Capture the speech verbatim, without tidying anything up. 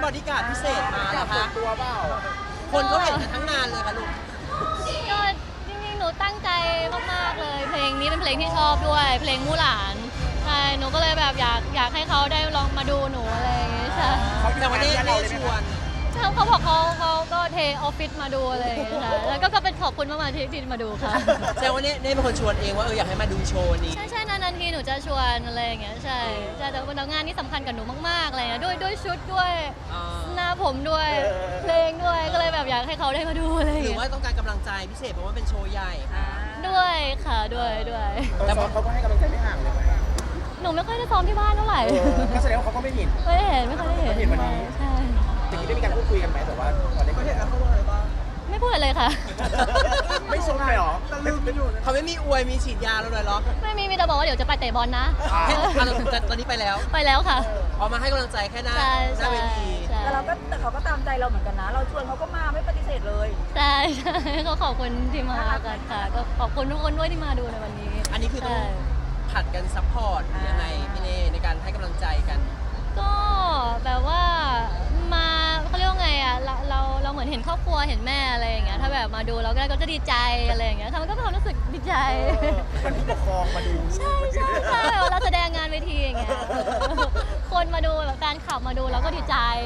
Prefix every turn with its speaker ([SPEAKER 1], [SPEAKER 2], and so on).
[SPEAKER 1] บอดี้การ์ดพิเศษมาเหรอคะ
[SPEAKER 2] ตัวเปล่า
[SPEAKER 1] คนเขาเห็นกันทั้งงานเลยค่ะลูก
[SPEAKER 3] ก็จริงๆ หนูตั้งใจมากๆ เลย เพลงนี้เป็นเพลงที่ชอบด้วย เพลงมู่หลานใช่หนูก็เลยแบบอยากอยากให้เขาได้ลองมาดูหนูอะไรอย่างเงี้ยใช่
[SPEAKER 1] แต่วันนี้เน่ชวน
[SPEAKER 3] เขาเขาบอกเขาเขาก็เทออฟฟิศมาดูอะไรอย่างเงี้ยใช่แล้วก็ก็เป็นขอบคุณมากๆที่ที่มาดูค่ะ
[SPEAKER 1] แต่วันนี้เน่เป็นคนชวนเองว่าเอออยากให้มาดูโชว์นี้
[SPEAKER 3] ใช่ใช่นานๆทีหนูจะชวนอะไรอย่างเงี้ยใช่ใช่แต่วันงานนี้สำคัญกับหนูมากๆอะไรเงี้ยด้วยด้วยชุดด้วย
[SPEAKER 1] อ่า
[SPEAKER 3] หน้าผมด้วยเพลงด้วยก็เลยแบบอยากให้เขาได้มาดูอะไรอย่าง
[SPEAKER 1] หรือ
[SPEAKER 3] เงี้ย
[SPEAKER 1] ว่าต้องการกำลังใจพิเศษเพราะว่าเป็นโชว์ใหญ่
[SPEAKER 3] ด้วยค่ะด้วยด้วย
[SPEAKER 2] แต่เขาก็ให้กำลังใจไม่ห่างเลยไหม
[SPEAKER 3] หนูไม่ค่อยได้ซ้อมที่บ้านเท่าไหร่
[SPEAKER 2] ก็แสดงว่าเขาก็ไม่เห็น
[SPEAKER 3] ไม่ได้เห็นไม่ค่อยได้เห็น
[SPEAKER 2] ไม่เห็นวันนี้
[SPEAKER 3] ใช่
[SPEAKER 2] อย่างนี้ได้มีการพูดคุยกันไหมแต่ว่าตอนนี้ก็เห็นแล้วเขาบอกอะไรบ้าง
[SPEAKER 3] ไม่พูดอะไรเลยค่ะ
[SPEAKER 2] ไม่ชมเลยเหรอลืมไปอยู่
[SPEAKER 1] เขาไม่มีอวยมีฉีดยาเราเลยเหรอ
[SPEAKER 3] ไม่มีมีแต่บอกว่าเดี๋ยวจะไปเตะบอลนะ
[SPEAKER 2] อ่า
[SPEAKER 1] แค่อ่ะแต่ตอนนี้ไปแล้ว
[SPEAKER 3] ไปแล้วค่ะ
[SPEAKER 1] ออกมาให้กำลังใจแค่หน้า
[SPEAKER 3] ใช่
[SPEAKER 1] หน้า
[SPEAKER 3] ใช่
[SPEAKER 1] เวที
[SPEAKER 3] ใช่
[SPEAKER 4] แต่เราก็แต่เขาก็ตามใจเราเหมือนกันนะ เราชวนเขาก็มาไม่ปฏิเสธเลย
[SPEAKER 3] ใช่ใช่ก็ขอบคุณที่มากันค่ะก็ขอบคุณทุกคนด้วยที่มาดูในวันนี้
[SPEAKER 1] อันนี้คือต้อง
[SPEAKER 3] ใช่
[SPEAKER 1] ผัดกันซัพพอร์ตยังไงพี่เน่ในการให้กำลังใจกัน
[SPEAKER 3] ก็แบบว่ามาเขาเรียกว่าไงอ่ะเราเราเราเหมือนเห็นครอบครัวเห็นแม่อะไรอย่างเงี้ยถ้าแบบมาดูเราก็ก็จะดีใจอะไรอย่างเงี้ยค่ะมันก็เป็นความรู้สึกดีใจ
[SPEAKER 2] มันผู้ปกครองมาดู
[SPEAKER 3] ใช่ใช่ใช่เราแสดงงานเวทีอย่างเงี้ยคนมาดูแบบการขับมาดูเราก็ดีใจ